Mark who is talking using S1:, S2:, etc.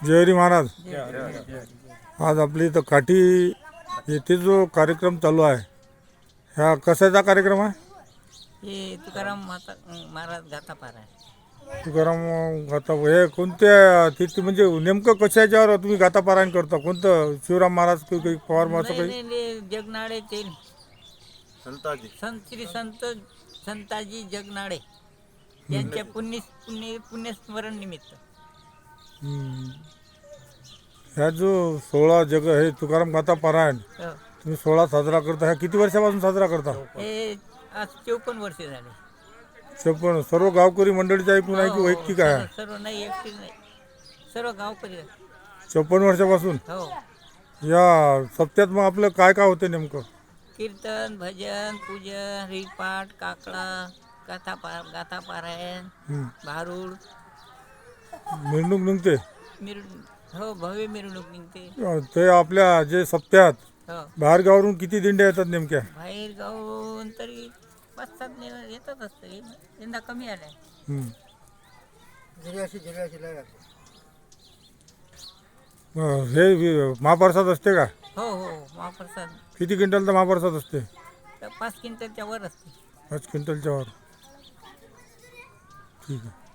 S1: जयहरी महाराज. आज आपली इथं काठी येथे जो कार्यक्रम चालू आहे, ह्या कशाचा कार्यक्रम आहे?
S2: हे तुकाराम महाराज गाथापारा आहे.
S1: तुकाराम गाथा हे कोणत्या तिथे म्हणजे नेमकं कशाच्यावर तुम्ही गाथापारायण करता? कोणतं शिवराम महाराज काही पवार असं काही?
S2: नाही, जगनाळे ते श्री संताजी जगनाळे यांच्या पुण्यस्मरण निमित्त.
S1: ह्या जो 16 जग हे तुकाराम गाथा पारायण
S2: हो.
S1: तुम्ही 16 साजरा करता, ह्या किती वर्षापासून साजरा करता?
S2: हे आज 54 वर्षे झाले.
S1: 56. सर्व गावकरी मंडळीच्या ऐकून आहे की वैयक्तिक आहे?
S2: सर्व नाही, एकटी नाही, सर्व गावकरी.
S1: 56 वर्षापासून.
S2: हो.
S1: या सप्त्यात मग आपलं काय काय होतं नेमकं?
S2: कीर्तन, भजन, पूजन, हरिपाठ, काकडा, गाथा पारायण, भारूड,
S1: मिरवणूक निघते.
S2: हो, भव्य मिरवणूक निघते.
S1: ते आपल्या जे सप्त्यात
S2: हो.
S1: बाहेर गावावरून किती दिंड्या येतात नेमक्या?
S2: बाहेर गावून तरी 5-7 येतात असते. यंदा कमी आलाय.
S1: हे महाप्रसाद असते का?
S2: हो हो, महाप्रसाद
S1: किती क्विंटलचा महाप्रसाद असते?
S2: 5 क्विंटलच्या वर असते.
S1: 5 क्विंटलच्या वर. ठीक आहे.